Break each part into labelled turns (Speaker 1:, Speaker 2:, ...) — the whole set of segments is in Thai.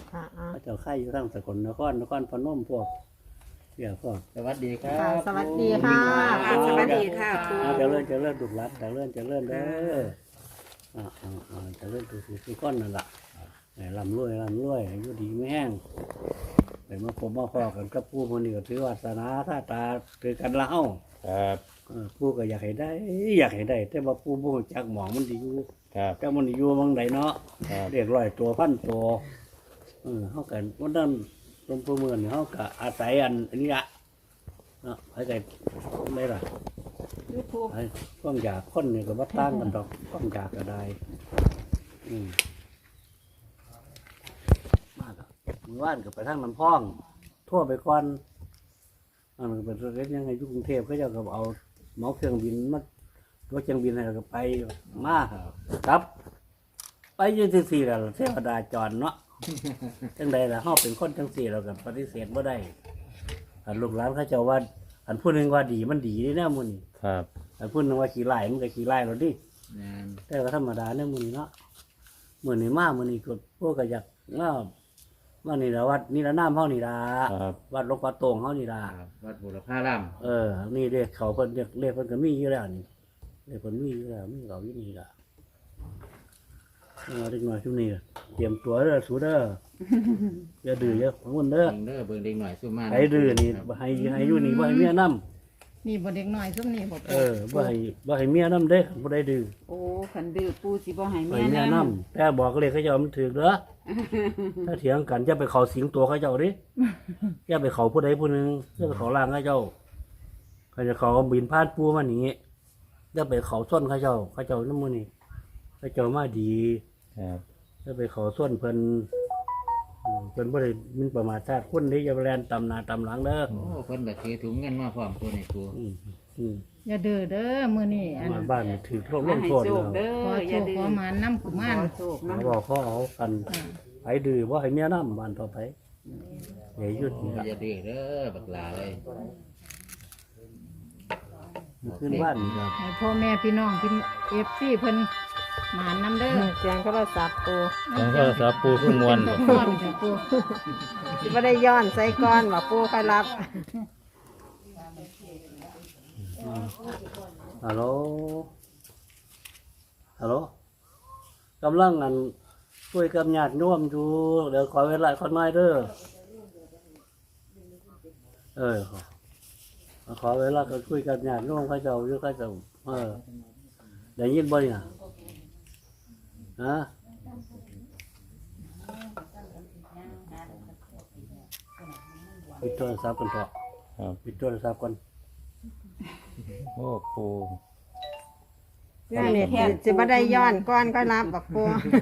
Speaker 1: เขาเจ้าค่ายอยู่ทั้งสกลนครพนมพวกเดี๋ยวพวก
Speaker 2: สวัสดีครับ
Speaker 3: สวัสดีค่ะ
Speaker 4: สวัสดีค่ะปู
Speaker 1: จะเลื่อนดุรัดจะเลื่อนเด้อจะเลื่อนทุกคนนั่นแหละลำรวยอยู่ดีไม่แห้งแต่มาผมมาพอกันกับผู้คนนี้ก็ถือวาสนาท่าตาถือกันเล่า
Speaker 2: ครับ
Speaker 1: ผู้ก็อยากให้ได้แต่ว่าผู้บ่จักหมองมันดีอยู่
Speaker 2: ครับ
Speaker 1: แต่มันอยู่บางใดเนาะ
Speaker 2: ครับ
Speaker 1: เรียก100ตัวพันตัวเขากันวันนั้นลมพูเมืองเขาก็อาศัยอันนี้ละเนาะให้ได้ได้ล่ะ
Speaker 4: ยูทูบ
Speaker 1: ไอ้ความอยากคนนี่ก็บ่ต่างกันดอกความอยากก็ได้มากมือว่านก็ไปทางน้ำพองทั่วไปก่อนมันก็เป็นเรื่องยังไงอยู่กรุงเทพเขาเจ้าก็เอาเหมาเครื่องบินมาตัวเครื่องบินให้เราก็ไปมาครับ ไปอยืนสี่แล้วเทวดาจรเนาะ จังใดล่ะเฮาเป็นคนจังสี่เราก็ปฏิเสธบ่ได้อันลูกหลานเขาเจ้าว่าอันผู้หนึงว่าดีมันดีนี่แน่มื้อนี้
Speaker 2: ครับ
Speaker 1: อันผู้หนึงว่าขี้ไล่มันก็ขี้ไล่แล้วดิ
Speaker 2: งาน
Speaker 1: แต่ก็ธรรมดาเนี่ยมื้อนี้เนาะมื้อนี้มามื้อนี้ก็พวกก็อยากว่านี่ล่ะวัดนี่ละน้ำเฮานี่ล่ะ
Speaker 2: ครับ
Speaker 1: วัดหลวงพ่อโตงเฮานี่ล่ะ
Speaker 2: วัดบุรพาราม
Speaker 1: นี่เรียกเขาเพิ่นเรียกเพิ่นก็มีอยู่แล้วนี่เรียกเพิ่นมีอยู่แล้วมีเขาอยู่นี่ล่ะเด็กน้อยช่วงนี้เตรียมตัวเด้อสู้เด้ออย่าดื้ออย่าของมันเด้อ
Speaker 2: เบิ่งเด็กหน่อยสู้มา
Speaker 1: ให้ดื้อนี่บ่ให้อยู่นี่บ่ให้เมียนำ
Speaker 3: นี่บ่เด็กน้อยซุ่มนี่บ่
Speaker 1: บ่ให้เมียนำเด้อบ่ได้ดื้อ
Speaker 4: โอ้ขันดื้อปูสิบ่ให้
Speaker 1: ให้
Speaker 4: แม่
Speaker 1: เมีย
Speaker 4: น
Speaker 1: นำแต่บอกเลยเขาเจ้ามันถูกเด้อถ้าเถียงกันอย่าไปเข้าสิงตัวเขาเจ้าดิอย่าไปเข้าผู้ใดผู้หนึงอย่าไปเข้าร่างเขาเจ้าเขาจะเข้าบินพาดปูมานี่อย่าไปเข้าส้นเขาเจ้านำมื้อนี้เขาเจ้ามาดี
Speaker 2: ครับ
Speaker 1: ถ้าไปขอส่วนเพิ่นบ่ได้มินประมาทชาติคนที่จะแล่นตำหน้าตำหลังเด้อ
Speaker 2: โอ้คนแบบถือถุงเงินมาพร้อมตัวในครู
Speaker 3: อย่าดื้อเด้อมื้อนี้อัน
Speaker 1: มาบ้านนี่ถือโรค
Speaker 4: ำ
Speaker 1: ล
Speaker 4: มาง ให้
Speaker 1: โทษ
Speaker 4: โชค
Speaker 1: แล้ว
Speaker 4: เด้
Speaker 3: ขอ
Speaker 4: อ
Speaker 3: โช
Speaker 4: อย่า
Speaker 3: ค
Speaker 4: ดื้อ
Speaker 3: ขอหมานนำกุมาร
Speaker 4: ขอโชค
Speaker 1: เขา
Speaker 4: นำ
Speaker 1: บอกเขาเอากันไปดื้อว่าให้เมียน้ำบ้านต่อไปอย่าหยุดนี่ละ
Speaker 2: อย่าดื้อเด้อบักหลาเลย
Speaker 1: ขึ้นบ้านนี่ครับ
Speaker 3: ให้พ่อแม่พี่น้องพี่ FC เพิ่นหมานนำเด้อ
Speaker 4: เสียงโทรศัพท์ปู
Speaker 2: แล้วก็สาปูขึ้นมวล
Speaker 3: พ่อพี่ปู
Speaker 4: สิบ่ได้ย้อนใส่ก้อนว่าปูค่อยรับ
Speaker 1: ฮัลโหลกำลังอันคุยกับญาติโยมอยู่เดี๋ยวขอเวลาคนน้อยเด้อขอเวลาก็คุยกับญาติโยมเขาเจ้าอยู่เขาเจ้าได้ยินบ่เนี่ยฮะปิดโทรศัพท์กันเถอะ
Speaker 2: ครับ
Speaker 1: ปิดโทรศัพท์กัน
Speaker 2: โอ้ปู
Speaker 4: นี่สิบ่ได้ย้อนก้อนค่อยรับบักปู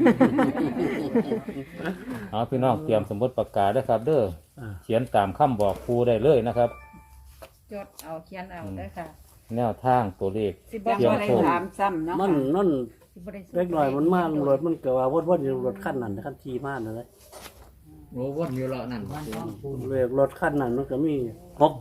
Speaker 2: เอาพี่น้องเตรียมสมุดปากกาด้วยครับ เด้อ
Speaker 1: อ่า
Speaker 2: เขียนตามคำบอกครูได้เลยนะครับ
Speaker 3: จดเอาเขียนเอาเด้อค่ะ
Speaker 2: แนวทางตัวเลข
Speaker 3: สิบ่
Speaker 4: ยัง
Speaker 3: บ่
Speaker 4: บ่
Speaker 3: ได้
Speaker 4: ได้ถามซ้ำเนาะ
Speaker 1: นั่น
Speaker 3: สิบ่ได้
Speaker 1: เล็กหน่อยมันมารถมันเกิดว่าวนอยู่รถขั้นนั้นขั้นทีมากเลย
Speaker 2: โอ้วนอยู่เลาะนั่น
Speaker 1: เรียกรถขั้นนั้นมันก็มี683
Speaker 2: หก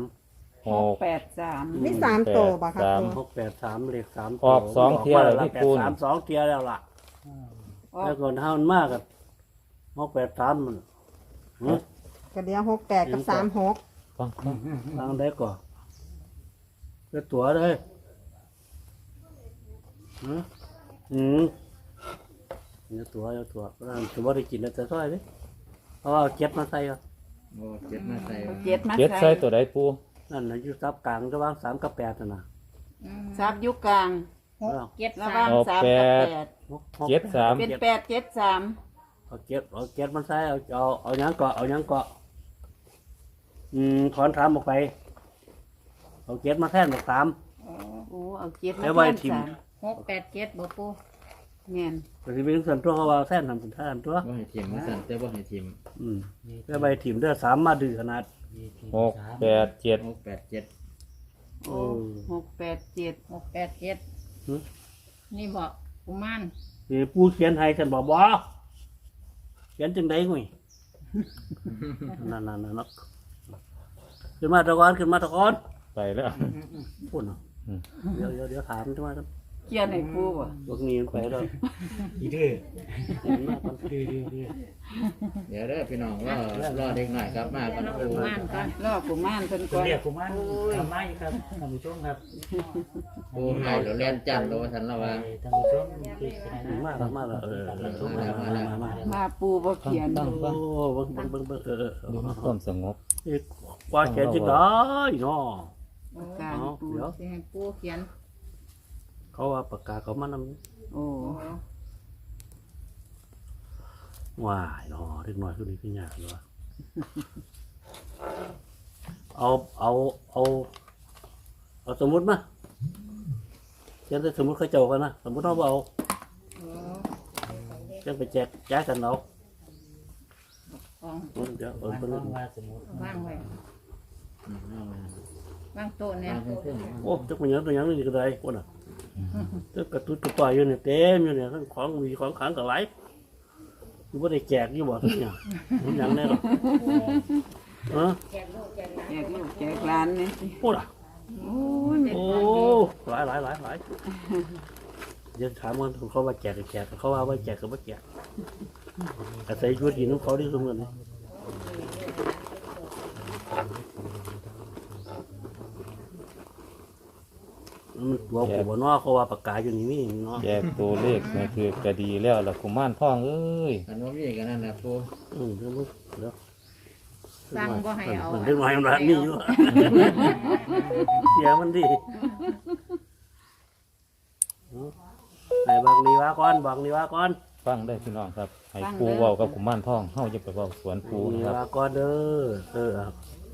Speaker 4: 683
Speaker 3: มี3ตัวบ่ครับ
Speaker 2: สาม
Speaker 1: 683เลข3
Speaker 2: ออกสองเที่ยวแล้วพี่ปูน
Speaker 1: 2เที่ยวแล้วล่ะแล้วก่อนเฮามันมากกับ683มัน
Speaker 4: ก็เดี๋ยว68กับ36
Speaker 2: ฟัง
Speaker 1: ทางได้ก่อนจะตั๋วเลยเนี่ยตั๋วร้านจะบ่ได้กินแล้วจะซอยดิเพราะว่าเอาเก็บมาใส่ก่อน
Speaker 2: โอ้เจ็ดมาใส่
Speaker 4: 7มา
Speaker 2: เจ็ด
Speaker 4: ใส่
Speaker 2: ใส่ตัวใดปู
Speaker 1: นั่นน่ะอยู่ซับกลางระหว่าง3กับ8นั่นน่ะ
Speaker 4: ซับอยู่กลาง
Speaker 3: 6
Speaker 4: ระหว่าง
Speaker 3: 7
Speaker 4: 3กับ
Speaker 2: เจ็ดสาม
Speaker 4: 8เป็น873
Speaker 1: เอาเก็บมันใส่เอาหยังเกาะถอนถามออกไปเอาเก็บมาแทนบอก3
Speaker 4: โอ้เอา7มา
Speaker 1: แล้วไว้ทิ่ม
Speaker 3: 687บ่ปู
Speaker 4: แม่น
Speaker 1: ก็สิเป็นส่วนตัวเขาว่าแทนทำเป็นแทนตัว
Speaker 2: ว่าให้ทีมมาสั่นแต่ว่าให้ทีม
Speaker 1: แล้วใบถิ่มเด้อ3มาดื้อขนาด
Speaker 2: 687
Speaker 4: โอ้687
Speaker 3: 687นี่บ่กุมาร
Speaker 1: นี่ปูเขียนให้ฉันบอกบ่เขียนจังได๋งุ้ยนั่นเนาะขึ้นมาตะกอน
Speaker 2: ไปแล้ว
Speaker 1: พูดเนาะเดี๋ยวถามจังว่า
Speaker 5: เขียนให้ปูบ่
Speaker 1: พวกนี้มันไปแล้ว
Speaker 6: อีเด้อ
Speaker 1: เห็นมากมัน
Speaker 6: เด้อเด้อเด้อ
Speaker 2: เดี๋ยวเด้อพี่น้องรอเด็กหน่อยครับมากันปู
Speaker 3: ม่านก่อน
Speaker 5: รอกุมารเพิ่น
Speaker 6: คุ
Speaker 5: ก่
Speaker 6: ณ
Speaker 5: อน
Speaker 6: เรียกผมว่าทำไมครับท่านผู้ชมครับ
Speaker 2: ปูไข่เดี๋ยวเล่นจันทร์โลทันละว่า
Speaker 6: ท่านผู้ชมที่จะได้
Speaker 1: มากแล้วมากแล้วมา
Speaker 5: มาปูบ่เขียน
Speaker 2: ต้อง
Speaker 1: โอ้เบิ่ง
Speaker 2: ดูความสงบ
Speaker 1: กว่าแขนจะได้เนาะ
Speaker 5: การปู
Speaker 1: เดี๋ยว
Speaker 3: สิให้ปูเขียน
Speaker 1: เขาว่าปากกาเขามานำ
Speaker 5: โอ้
Speaker 1: ว้ายเนาะเล็กน้อยคือนี่คือยากเลยเอาสมมุติมาเขียนแต่สมมุติเขาเจ้ากันนะสมมุติเราเอาเขียนไปแจกกันเอา
Speaker 3: ของ
Speaker 1: เดี๋ยว
Speaker 6: หมาย
Speaker 1: เพิ่น
Speaker 6: ความว่าสมมติ
Speaker 3: วางไว้วางโต๊ะเนี่ย
Speaker 1: โอ้จักมันยังตัวยังนี่ก็ได้คนน่ะจักกระตุ้นตัวต่อยอยู่เนี่ยเต็มอยู่เนี่ยทั้งของมีของขังกับไหลอยู่บ่ได้แจกอยู่บ่ทุกอย่างมันหยังแน่หรอ
Speaker 5: แจกลูกแจกหลานนี่สิ
Speaker 1: โอ้ล่ะ
Speaker 5: โอ้ยแม่
Speaker 1: โอ้หลายเดี๋ยวถามมันเขาว่าแจกก็แจกเขาว่าแจกก็บ่แจกอาศัยชีวิตอยู่น้ำเขาที่สมกันนี่มันตัวกูบ่เนาะเขาว่าปากกาอยู่นี่มีเนาะ
Speaker 2: แยกตัวเลขนี่คือกระดีแล้วล่ะกุมารทองเอ้ย
Speaker 7: อันว่ามีกันนั่นแหละปู
Speaker 1: เดี๋ยว
Speaker 3: สั่งบ่ให้เอา
Speaker 1: มันเรื่องน้อยมันนี่อยู่ เสียมันดิให้บังดีว่าก่อนบังดีว่าก่อน
Speaker 2: ฟังได้พี่น้องครับให้ปูเว้ากับกุมารทองเฮาจะไปเว้าสวนปู
Speaker 1: ดี
Speaker 2: นะครับ
Speaker 1: ว่าก่อนเด้อครับ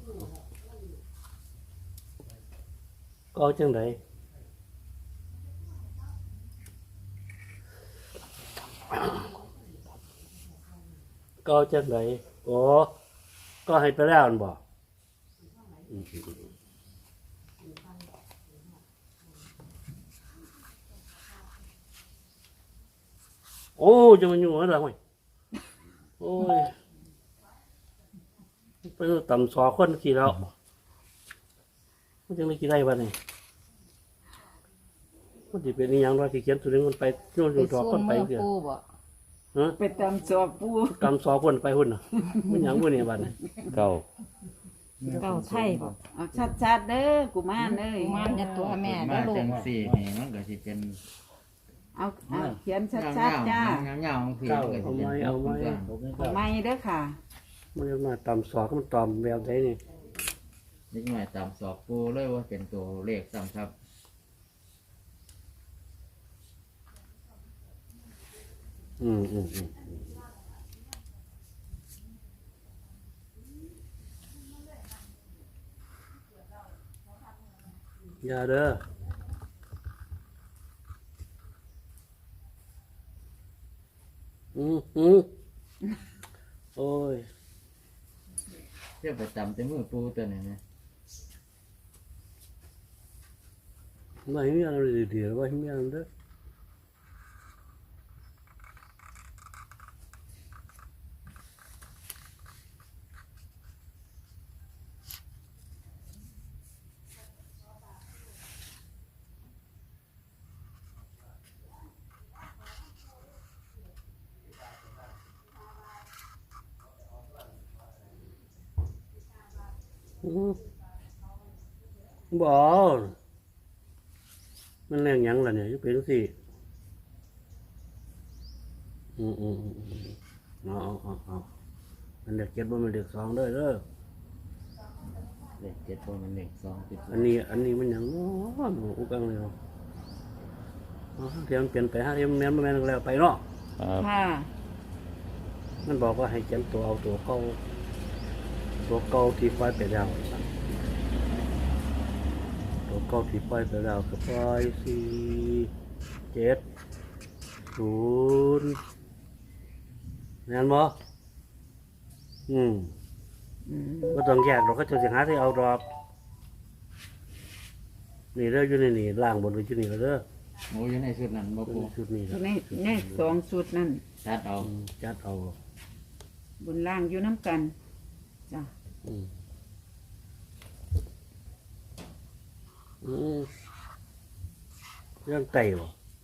Speaker 1: ก็เอาจังไดก็เอาจังไดโอ้ก็ให้ไปแล้วมันบอกโอ้จะมันอยู่อะไรวะโอ้ยไปต่ำสอคนกี่แล้วมันจะไม่กี่ได้บ้านนี่มันจะเป็นอย่างไรที่เขียนตัวนี้มันไปโยน
Speaker 3: ไป
Speaker 1: อยู่ดอก
Speaker 3: สู้
Speaker 1: คนไป
Speaker 3: มือ
Speaker 1: เดียว
Speaker 3: ปูบ่
Speaker 1: ฮะ
Speaker 5: ไปตามสอบปู
Speaker 1: ต่ำสอคนไปหุ่นน่ะมันอย่างพวกนี้บ้านนี่
Speaker 2: เก้า
Speaker 3: เก้าไทยบ่
Speaker 5: เอาชัดๆเด้อกุมารเอ้ย
Speaker 3: กุมารอย่าตัวแม่
Speaker 7: มา
Speaker 3: เด้อลู
Speaker 7: จั
Speaker 3: ก
Speaker 7: งสี่นี่มันก็สิเป็น
Speaker 5: เอาเขียนชั
Speaker 7: เงา
Speaker 5: ดๆจ้า
Speaker 7: เงาของผีมันก็สิเป็น
Speaker 1: เอาไว้
Speaker 5: เอาไม้เด้อค่ะ
Speaker 1: มันจะมาต่ำสอก็มันต่ำแบบไหนนี่
Speaker 7: นิดหน่อยตามสอบปูเลยว่าเป็นตัวเลขซ้ำครับ
Speaker 1: อืมอย่าเด้อโอ้ย
Speaker 7: เทียบไปตามแต่มือปูตัวนี้นะ
Speaker 1: ไม่มีอะไรดีๆว่าไม่มีอะไรเด้อบ่มันแรงหยังล่ะเนี่ยยุเป็นสิเอามันเด็กเจ็ดบ่มันเด็กสองเด้อ
Speaker 7: เลข7ตัวมันเลข2ติด
Speaker 1: อันนี้มันหยังน้ออุกังเลยเนาะเทียมเปลี่ยนไป5เทียมแม่นบ่แม่นแล้วไปเนาะ
Speaker 2: ครับ
Speaker 5: ค่ะ
Speaker 1: มันบอกว่าให้เขียนตัวเอาตัวเก่าที่ปล่อยไปแล้วตัวเก่าที่ปล่อยไปแล้วก็ปล่อย4 7 0แม่นบ่ก็ต้องแยกเราก็จะหาที่เอาดอกนี่เด้ออยู่ในนี่ล่างบนไว้อยู่นี่แล้วเด้อ
Speaker 7: โอ้อยู่ในชุดนั้นบ่ปู
Speaker 1: ชุดนี้ครับ
Speaker 5: ในสองชุดนั่น
Speaker 7: ตัดเอา
Speaker 1: จัดเอา
Speaker 5: บนล่างอยู่น้ำกันจ้ะ
Speaker 1: เรื่องไต่บ่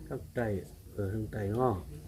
Speaker 1: ทั้งไตทั้งไตเนาะ